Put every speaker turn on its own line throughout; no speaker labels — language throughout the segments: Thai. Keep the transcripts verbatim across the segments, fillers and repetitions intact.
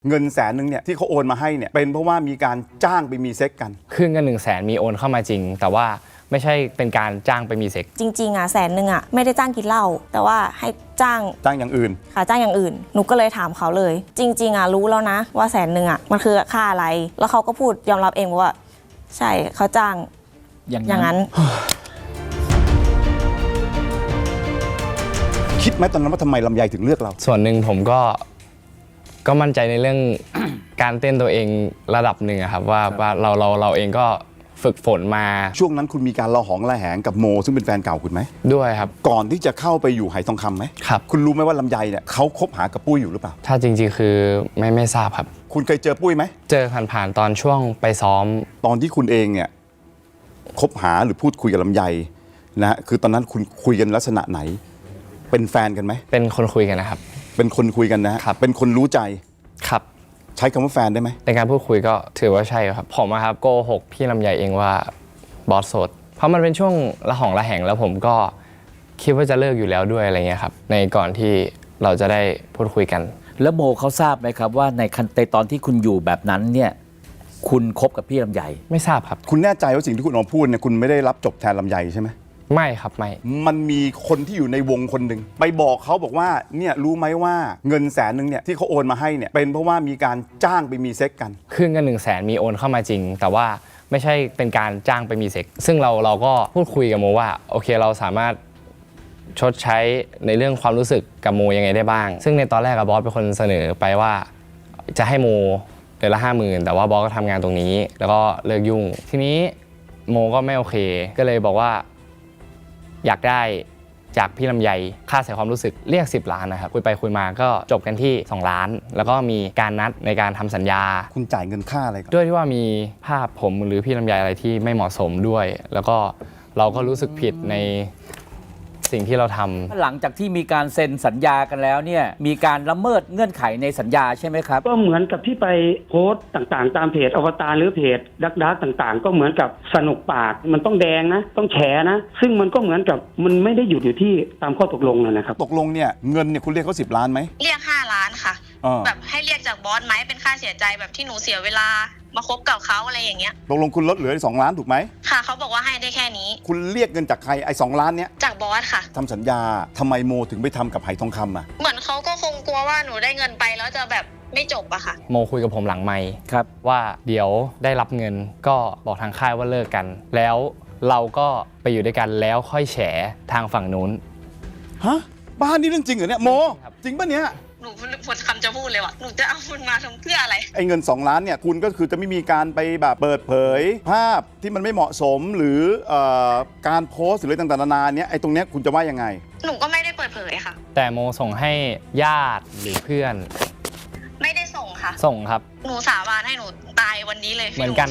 เงินแสนหนึ่งเนี่ยที่เขาโอนมาให้เนี่ยเป็นเพราะว่ามีการจ้างไปมีเซ็กกัน
คือเงินหนึ่งแสนมีโอนเข้ามาจริงแต่ว่าไม่ใช่เป็นการจ้างไปมีเซ็ก
จริงๆอ่ะแสนหนึ่งอ่ะไม่ได้จ้างกินเหล้าแต่ว่าให้จ้าง
จ้างอย่างอื่น
ค่ะจ้างอย่างอื่นหนูก็เลยถามเขาเลยจริงๆอ่ะรู้แล้วนะว่าแสนหนึ่งอ่ะมันคือค่าอะไรแล้วเขาก็พูดยอมรับเองว่าใช่เขาจ้างอย่างนั้น
คิดไหมตอนนั้นว่าทำไมลำไยถึงเลือกเรา
ส่วนหนึ่งผมก็ก็มั่นใจในเรื่อง การเต้นตัวเองระดับหนึ่งครับว่าว่าเราเราเราเองก็ฝึกฝนมา
ช่วงนั้นคุณมีการระหองระแหงกับโมซึ่งเป็นแฟนเก่าคุณไหม
ด้วยครับ
ก่อนที่จะเข้าไปอยู่ไหทองคำไหม
ครับ
คุณรู้ไหมว่าลำไยเนี่ยเขาคบหากับปุ้ยอยู่หรือเปล่า
ถ้าจริงๆคือไม่ไม่ทราบครับ
คุณเคยเจอปุ้ยไหม
เจอผ่านๆตอนช่วงไปซ้อม
ตอนที่คุณเองเนี่ยคบหาหรือพูดคุยกับลำไยนะคือตอนนั้นคุณคุยกันลักษณะไหนเป็นแฟนกันไหม
เป็นคนคุยกันนะครับ
เป็นคนคุยกันนะครับเป็นคนรู้ใจ
ครับ
ใช้คำว่าแฟนได้ไหม
ในการพูดคุยก็ถือว่าใช่ครับผมครับโกหกพี่ลำไยเองว่าบอสโสดเพราะมันเป็นช่วงระหองระแหงแล้วผมก็คิดว่าจะเลิกอยู่แล้วด้วยอะไรเงี้ยครับในก่อนที่เราจะได้พูดคุยกัน
แล้วโมเขาทราบไหมครับว่าในคันเตตอนที่คุณอยู่แบบนั้นเนี่ยคุณคบกับพี่ลำไย
ไม่ทราบครับ
คุณแน่ใจว่าสิ่งที่คุณออกมาพูดเนี่ยคุณไม่ได้รับจบแทนลำไยใช่ไหม
ไม่ครับไม่
มันมีคนที่อยู่ในวงคนหนึ่งไปบอกเขาบอกว่าเนี่ยรู้ไหมว่าเงินแสนหนึ่งเนี่ยที่เขาโอนมาให้เนี่ยเป็นเพราะว่ามีการจ้างไปมีเซ็กกัน
คือเงินหนึ่งแสนมีโอนเข้ามาจริงแต่ว่าไม่ใช่เป็นการจ้างไปมีเซ็กซึ่งเราเราก็พูดคุยกับโมว่าโอเคเราสามารถชดใช้ในเรื่องความรู้สึกกับโมยังไงได้บ้างซึ่งในตอนแรกกับบอสเป็นคนเสนอไปว่าจะให้โมเดือนละห้าหมื่นแต่ว่าบอสก็ทำงานตรงนี้แล้วก็เลิกยุ่งทีนี้โมก็ไม่โอเคก็เลยบอกว่าอยากได้จากพี่ลำไยค่าเสียความรู้สึกเรียกสิบล้านนะครับคุยไปคุยมาก็จบกันที่สองล้านแล้วก็มีการนัดในการทำสัญญา
คุณจ่ายเงินค่าอะไร
ด้วยที่ว่ามีภาพผมหรือพี่ลำไยอะไรที่ไม่เหมาะสมด้วยแล้วก็เราก็รู้สึกผิดในสิ่งที่เราทำ
หลังจากที่มีการเซ็นสัญญากันแล้วเนี่ยมีการละเมิดเงื่อนไขในสัญญาใช่ไหมครับ
ก็เหมือนกับที่ไปโพสต์ต่างๆตามเพจอวตารหรือเพจดักดักต่างๆก็เหมือนกับสนุกปากมันต้องแดงนะต้องแฉนะซึ่งมันก็เหมือนกับมันไม่ได้หยุดอยู่ที่ตามข้อตกลงนะครับ
ตกลงเนี่ยเงินเนี่ยคุณเรียกเขาสิบล้านไหม
เรียกห้าล้านค่ะแบบให้เรียกจากบอสไหมเป็นค่าเสียใจแบบที่หนูเสียเวลามาคบกับเขาอะไรอย่างเงี้ย
ตกลงคุณลดเหลือสองล้านถูกไหม
ค่ะเขาบอกว่าให้ได้แค่นี้
คุณเรียกเงินจากใครไอ้สองล้านเนี้ย
จากบอสค่ะ
ทำสัญญาทำไมโมถึงไปทำกับไหทองคำอ่ะ
เหมือนเขาก็คงกลัวว่าหนูได้เงินไปแล้วจะแบบไม่จบอะค่ะ
โมคุยกับผมหลังไมค์
ครับ
ว่าเดี๋ยวได้รับเงินก็บอกทางค่ายว่าเลิกกันแล้วเราก็ไปอยู่ด้วยกันแล้วค่อยแฉทางฝั่งนู้น
ฮะบ้านนี่เรื่องจริงเหรอเนี่ยโมจริงป่ะเนี่ย
หนูหมดคำจะพูดเลยว่ะหนูจะเอาคุณมาทำเพื่ออะไร
ไอ้เงินสองล้านเนี่ยคุณก็คือจะไม่มีการไปแบบเปิดเผยภาพที่มันไม่เหมาะสมหรือเอ่อการโพสต์หรืออะไรต่างๆนานาเนี่ยไอ้ตรงเนี้ยคุณจะว่ายังไง
หนูก็ไม่ได้เปิดเผยค่ะ
แต่โมส่งให้ญาติหรือเพื่อน
ไม่ได้ส่งค่ะ
ส่งครับ
หนูสาบานให้หนูตายวันนี้เลย
เหมือนกัน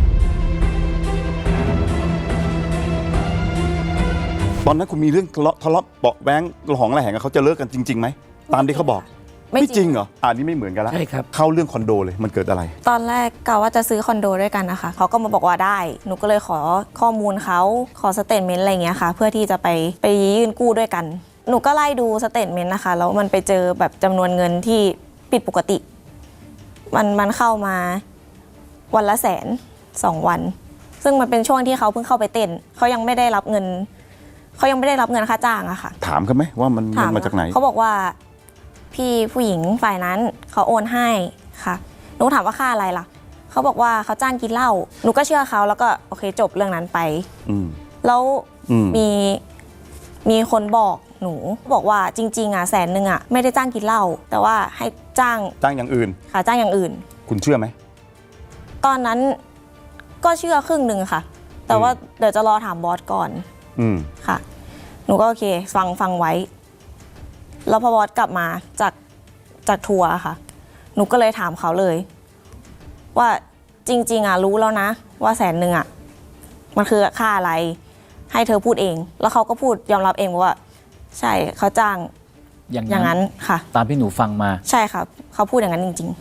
ตอนนั้นคุณมีเรื่องทะเลาะทะเลาะเบาะแว้งระหองระแหงกับเขาจะเลิกกันจริงๆไหมตามที่เขาบอกไม่จริงเหรออ่านี่ไม่เหมือนกันแล้ว
ใช่ครับ
เข้าเรื่องคอนโดเลยมันเกิดอะไร
ตอนแรกกะว่าจะซื้อคอนโดด้วยกันนะคะเขาก็มาบอกว่าได้หนูก็เลยขอข้อมูลเขาขอสเตทเมนต์อะไรเงี้ยค่ะเพื่อที่จะไปไปยื่นกู้ด้วยกันหนูก็ไล่ดูสเตทเมนต์นะคะแล้วมันไปเจอแบบจำนวนเงินที่ผิดปกติมันมันเข้ามาวันละแสนสองวันซึ่งมันเป็นช่วงที่เขาเพิ่งเข้าไปเต้นเขายังไม่ได้รับเงินเขายังไม่ได้รับเงินค่าจ้างอะค่ะ
ถามเขาไหมว่ามันมาจากไหน
เขาบอกว่าพี่ผู้หญิงฝ่ายนั้นเขาโอนให้ค่ะหนูถามว่าค่าอะไรล่ะเขาบอกว่าเขาจ้างกินเหล้าหนูก็เชื่อเขาแล้วก็โอเคจบเรื่องนั้นไปแล้วมีมีคนบอกหนูบอกว่าจริงๆอ่ะแสนหนึ่งอ่ะไม่ได้จ้างกินเหล้าแต่ว่าให้จ้าง
จ้างอย่างอื่น
ค่ะจ้างอย่างอื่น
คุณเชื่อไหม
ตอนนั้นก็เชื่อครึ่งหนึ่งค่ะแต่ว่าเดี๋ยวจะรอถามบอสก่อนค่ะหนูก็โอเคฟังฟังไว้แล้วพอบอสกลับมาจากจากทัวร์ค่ะหนูก็เลยถามเขาเลยว่าจริงๆอ่ะรู้แล้วนะว่าแสนหนึ่งอ่ะมันคือค่าอะไรให้เธอพูดเองแล้วเขาก็พูดยอมรับเองว่าใช่เขาจ้างอย่างนั้นค่ะ
ตามที่หนูฟังมา
ใช่ครับเขาพูดอย่างนั้นจริง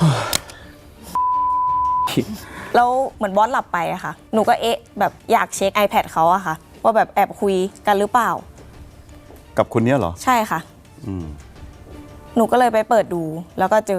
ๆแล้วเหมือนบอสหลับไปอะค่ะหนูก็เอ๊ะแบบอยากเช็ค iPad เขาอะค่ะว่าแบบแอบคุยกันหรือเปล่า
กับคนนี้เหรอ
ใช่ค่ะหนูก็เลยไปเปิดดูแล้วก็เจอ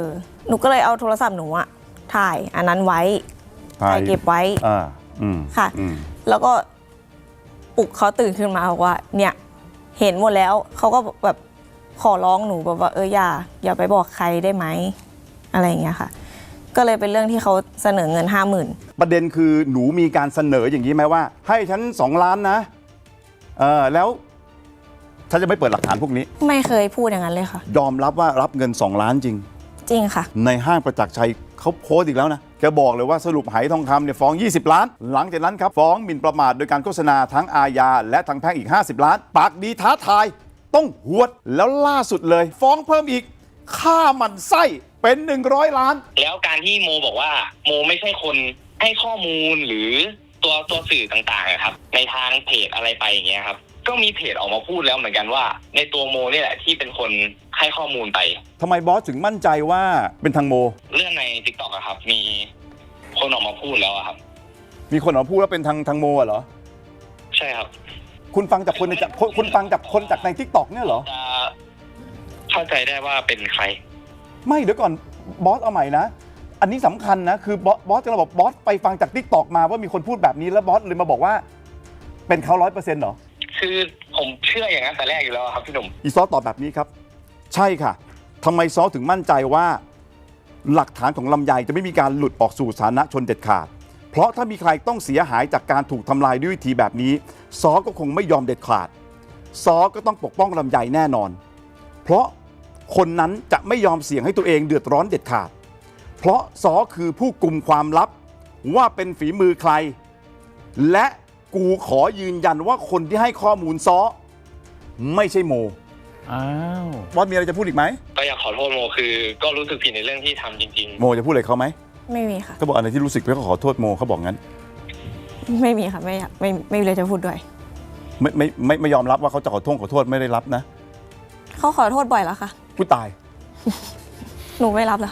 หนูก็เลยเอาโทรศัพท์หนูอะถ่ายอันนั้นไว้ถ่ายเก็บไว้
อ่าอืม
ค่ะ
อืม
แล้วก็ปลุกเขาตื่นขึ้นมาบอกว่า เนี่ยเห็นหมดแล้วเขาก็แบบขอร้องหนูแบบว่าเอออย่าอย่าไปบอกใครได้ไหมอะไรอย่างเงี้ยค่ะ ก็เลยเป็นเรื่องที่เขาเสนอเงินห้าหมื่น
ประเด็นคือหนูมีการเสนออย่างนี้ไหมว่า ให้ฉันสองล้านนะเออแล้วฉันจะไม่เปิดหลักฐานพวกนี้
ไม่เคยพูดอย่างนั้นเลยค่ะ
ยอมรับว่ารับเงินสองล้านจริง
จริงค่ะ
ในห้างประจักษ์ชัยเขาโพสต์อีกแล้วนะแกบอกเลยว่าสรุปไหทองคำเนี่ยฟ้องยี่สิบล้าน หลังจากนั้นครับฟ้องหมิ่นประมาทโดยการโฆษณาทั้งอาญาและทางแพ่งอีกห้าสิบล้าน ปากดีท้าทายต้องหวดแล้วล่าสุดเลย ฟ้องเพิ่มอีกฆ่าหมันไส้เป็นหนึ่งร้อยล้าน
แล้วการที่โมบอกว่าโมไม่ใช่คนให้ข้อมูลหรือตัวตัวสื่อต่างๆอะครับในทางเพจอะไรไปอย่างเงี้ยครับก็มีเพจออกมาพูดแล้วเหมือนกันว่าในตัวโมนี่แหละที่เป็นคนให้ข้อมูลไป
ทำไมบอสถึงมั่นใจว่าเป็นทางโม
เรื่องใน ติ๊กต็อก อะครับมีคนออกมาพูดแล้วอะครับ
มีคนออกมาพูดว่าเป็นทางทางโมอะเหรอ
ใช่ครับ
คุณฟังจากคนในจากคนคุณฟังจากคนจากในทิกตอกเนี่ยเหรอ
จะเข้าใจได้ว่าเป็นใคร
ไม่เดี๋ยวก่อนบอสเอาใหม่นะ อันนี้สำคัญนะคือบอสบอสจะเราบอกบอสไปฟังจากทิกตอกมาว่ามีคนพูดแบบนี้แล้วบอสเลยมาบอกว่าเป็นเขาร้อยเปอร์เซ็นต์เหรอ
คือผมเชื่ออย่างนั้นแต่แรกอยู่แล้วครับพี่หนุ่ม
อีซอสตอบแบบนี้ครับ ใช่ค่ะทำไมซอสถึงมั่นใจว่า หลักฐานของลำไยจะไม่มีการหลุดออกสู่สาธารณชนเด็ดขาด เพราะถ้ามีใครต้องเสียหายจากการถูกทำลายด้วยวิธีแบบนี้ซอสก็คงไม่ยอมเด็ดขาดซอสก็ต้องปกป้องลำไยแน่นอน เพราะคนนั้นจะไม่ยอมเสี่ยงให้ตัวเองเดือดร้อนเด็ดขาด เพราะซอคือผู้กุมความลับว่าเป็นฝีมือใคร และกูขอยืนยันว่าคนที่ให้ข้อมูลซอไม่ใช่โม
อ้าว
บอสมีอะไรจะพูดอีกไหม
ก็อยากขอโทษโมคือ ก็รู้สึกผิดในเรื่องที่ทำจริง
โมจะพูดอะไรเขาไหม
ไม่มีค่ะ
เขาบอกอะไรที่รู้สึกแล้วก็ขอโทษโมเขาบอกงั้น
ไม่มีค่ะไม่อยากไม่ไม่มีอะไรจะพูดด้วย
ไม่ไม่ไม่ไม่ยอมรับว่าเขาจะขอโทษขอโทษไม่ได้รับนะ
เขาขอโทษบ่อยแล้วค่ะ
ผู้ตาย
หนูไม่รับแล้ว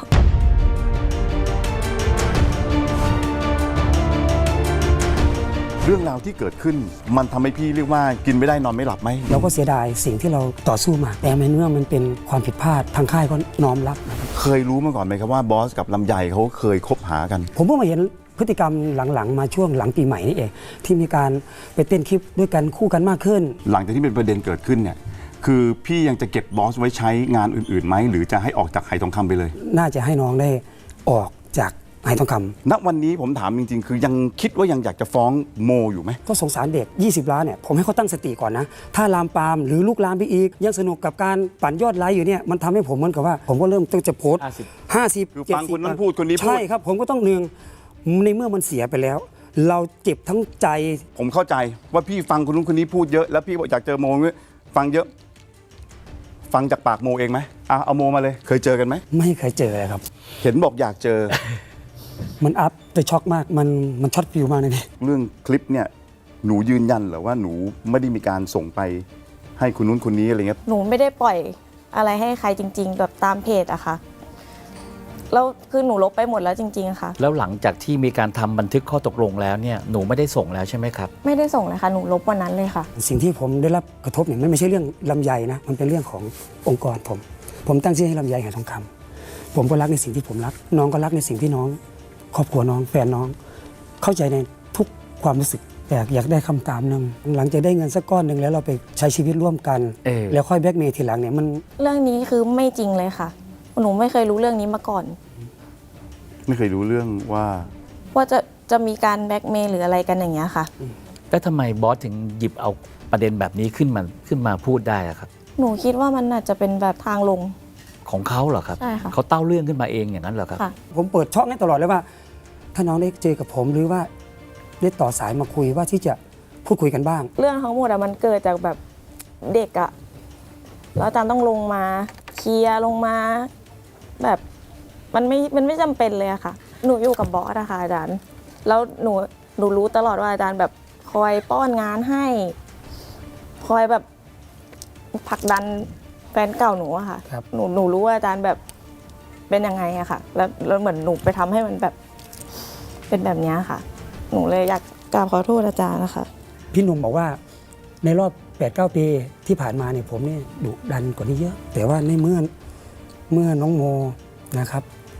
เรื่องราวที่เกิดขึ้นมันทำให้พี่เรียกว่ากินไม่ได้นอนไม่หลับไหม
เราก็เสียดายสิ่งที่เราต่อสู้มา แต่ในเมื่อมันเป็นความผิดพลาดทางค่ายก็น้อมรับนะครับ
เคยรู้มาก่อนไหมครับว่าบอสกับลำไยเขาเคยคบหากัน
ผมเพิ่งมาเห็นพฤติกรรมหลังๆ มาช่วงหลังปีใหม่นี่เองที่มีการไปเต้นคลิปด้วยกันคู่กันมากขึ้น
หลังจากที่เป็นประเด็นเกิดขึ้นเนี่ยคือพี่ยังจะเก็บบอสไว้ใช้งานอื่นๆไหมหรือจะให้ออกจากไหทองคำไปเลย
น่าจะให้น้องได้ออกจากไหทองคำ
ณวันนี้ผมถามจริงๆ คือยังคิดว่ายังอยากจะฟ้องโมอยู่ไหม
ก็สงสารเด็ก ยี่สิบ ล้านเนี่ยผมให้เขาตั้งสติก่อนนะ ถ้าลามปามหรือลูกลามไปอีก ยังสนุกกับการปั่นยอดไลค์อยู่เนี่ยมันทำให้ผมเหมือนกับว่า ผมก็เริ่มต้องจะโพสต์
ห้าสิบ
ห้าสิบ
คือฟังคนนั้นพูดคนนี้พูด
ใช่ครับ ผมก็ต้องเนืองในเมื่อมันเสียไปแล้ว เราเจ็บทั้งใจ
ผมเข้าใจว่าพี่ฟังคนนู้นคนนี้พูดเยอะแล้วพี่บอกอยากเจอโมฟังเยอะ ฟังจากปากโมเองไหมอ่ะเอาโมมาเลย เคยเจอกันไหม
ไม่เคยเจอเลยครับ
เห็นบอกอยากเจอ
มันอัพแต่ช็อกมากมันมันช็อตฟิวมากเลยเนี่ย
เรื่องคลิปเนี่ยหนูยืนยันเหรอว่าหนูไม่ได้มีการส่งไปให้คนนู้นคนนี้อะไรเงี้ย
หนูไม่ได้ปล่อยอะไรให้ใครจริง ๆ แบบตามเพจอะค่ะ แล้วคือหนูลบไปหมดแล้วจริงๆค่ะ
แล้วหลังจากที่มีการทำบันทึกข้อตกลงแล้วเนี่ยหนูไม่ได้ส่งแล้วใช่ไหมครับ
ไม่ได้ส่งเลยค่ะ หนูลบวันนั้นเลยค่ะ
สิ่งที่ผมได้รับกระทบเนี่ยมันไม่ใช่เรื่องลำไยนะมันเป็นเรื่องขององค์กรผม ผมตั้งชื่อให้ลำไยหายทองคำผมก็รักในสิ่งที่ผมรัก น้องก็รักในสิ่งที่น้อง ครอบครัวน้องแฟนน้อง เข้าใจในทุกความรู้สึกแต่อยากได้คำตามหนึ่งหลังจากได้เงินสักก้อนหนึ่งแล้วเราไปใช้ชีวิตร่วมกัน
เออ
แล้วค่อยแบล็กเมย์ทีหลังเนี่ยมัน
เรื่องนี้คือไม่จริงเลยค่ะ หนูไม่เคยรู้เรื่องนี้มาก่อน
ไม่เคยรู้เรื่องว่า
ว่าจะจะมีการแบล็กเมย์หรืออะไรกันอย่างเงี้ยค่ะ
แล้วทำไมบอสถึงหยิบเอาประเด็นแบบนี้ขึ้นมาขึ้นมาพูดได้อะครับ
หนูคิดว่ามันอาจจะเป็นแบบทางลง
ของเขาเหรอครับ
ใช่ค่ะ
เขาเต้าเรื่องขึ้นมาเองอย่างนั้นเหรอครับ
ค่ะ
ผมเปิดช่องให้ตลอดเลยว่า ถ้าน้องได้เจอกับผมหรือว่าได้ต่อสายมาคุยว่าที่จะพูดคุยกันบ้าง
เรื่องทั้งหมดอะมันเกิดจากแบบเด็กอะแล้วอาจารย์ต้องลงมาเคลียร์ลงมาแบบมันไม่มันไม่จำเป็นเลยอะค่ะ หนูอยู่กับบอสอะค่ะอาจารย์ แล้วหนูหนูรู้ตลอดว่าอาจารย์แบบคอยป้อนงานให้ คอยแบบผลักดันแฟนเก่าหนูอะค่ะ
ครับ
หนูหนูรู้ว่าอาจารย์แบบเป็นยังไงอะค่ะ แล้วแล้วเหมือนหนูไปทำให้มันแบบเป็นแบบเนี้ยค่ะ หนูเลยอยากกราบขอโทษอาจารย์นะคะ
พี่หนุ่มบอกว่าในรอบ แปดเก้า ปีที่ผ่านมาเนี่ยผมเนี่ยดุดันกว่านี้เยอะ แต่ว่าในเมื่อเมื่อน้องโมนะครับแส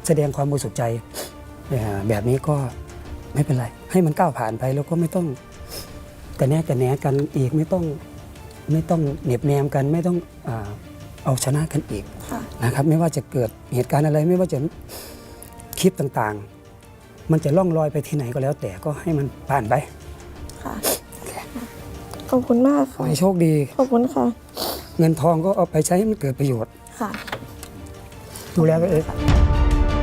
แสดงความบริสุทธิ์ใจเอ่อแบบนี้ก็ไม่เป็นไร ให้มันก้าวผ่านไปแล้วก็ไม่ต้องกระแนกกระแหนกันอีกไม่ต้องไม่ต้องเหน็บแนมกันไม่ต้องอ่าเอาชนะกันอีก
ค่ะ
นะครับไม่ว่าจะเกิดเหตุการณ์อะไรไม่ว่าจะคลิปต่างๆ มันจะล่องลอยไปที่ไหนก็แล้ว แต่ก็ให้มันผ่านไป
ค่ะ ขอบคุณมาก
ขอ
ค่ะ
ให้โชคดี
ขอบคุณค่ะ
เงินทองก็เอาไปใช้ให้มันเกิดประโยชน์
ค่ะ
ดูแลตัวเอง
ค่ะ